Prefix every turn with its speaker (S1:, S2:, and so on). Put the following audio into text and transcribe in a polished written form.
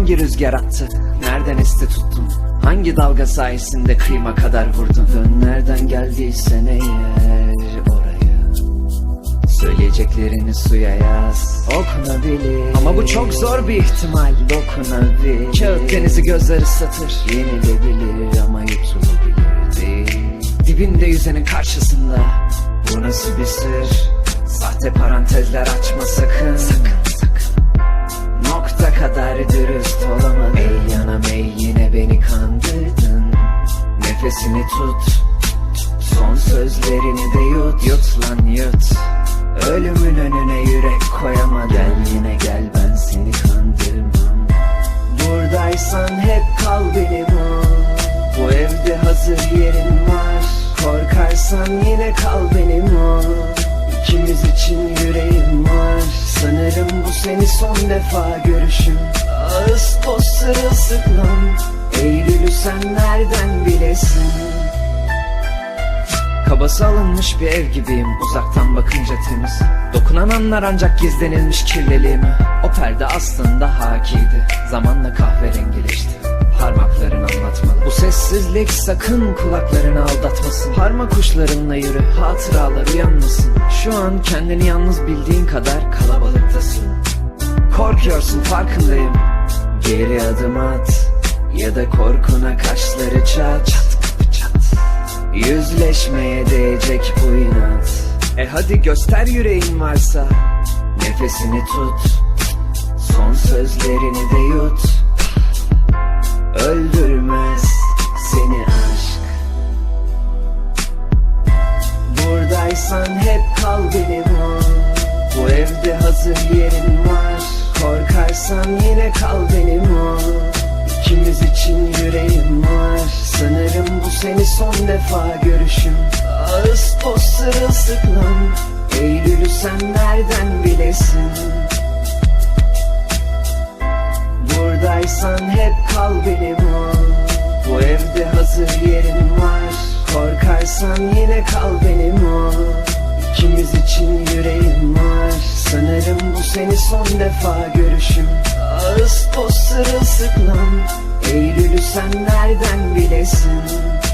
S1: hangi rüzgar attı? Nereden esti tuttun? Hangi dalga sayesinde kıyma kadar vurdun? Dön nereden geldiysen eğer oraya, söyleyeceklerini suya yaz, okunabilir. Ama bu çok zor bir ihtimal, dokunabilir. Kağıt denizi gözler ıslatır, yenilebilir ama yutulabilir değil. Dibinde yüzenin karşısında, bu nasıl bir sır? Sahte parantezler açma sakın, sakın, sakın. Nokta kadar dürüst olamadın. Ey yanam ey, yine beni kandırdın. Nefesini tut, son sözlerini de yut. Yut lan yut, ölümün önüne yürek koyamadım. Gel yine gel, ben seni kandırmam. Buradaysan hep kal benim ol. Bu evde hazır yerin var. Korkarsan yine kal benim ol. İkimiz için yüreğim var. Sanırım bu seni son defa görüşüm. Ağustos sırılsıklam, Eylül'ü sen nereden bilesin? Kabası alınmış bir ev gibiyim, uzaktan bakınca temiz. Dokunan anlar ancak gizlenilmiş kirliliğimi. O perde aslında hakiydi, zamanla kahverengileşti. Parmakların anlatmalı. Bu sessizlik sakın kulaklarını aldatmasın. Parmak uçlarınla yürü, hatıralar uyanmasın. Şu an kendini yalnız bildiğin kadar kalabalıktasın. Korkuyorsun, farkındayım. Geri adım at, ya da korkuna kaşları çat. Çat kapı çat. Yüzleşmeye değecek bu inat. Hadi göster yüreğin varsa. Nefesini tut, son sözlerini de yut. Öldürmez seni aşk. Buradaysan hep kal benim ol. Bu evde hazır yerin var. Korkarsan yine kal benim ol. İkimiz için yüreğim var. Sanırım bu seni son defa görüşüm. Ağustos sırılsıklam, Eylül'ü sen nereden bilesin? Buradaysan hep kal benim ol. Bu evde hazır yerin var. Korkarsan yine kal benim ol. İkimiz için yüreğim var. Sanırım bu seni son defa görüşüm. Ağustos sırılsıklam, Eylül'ü sen nereden bilesin?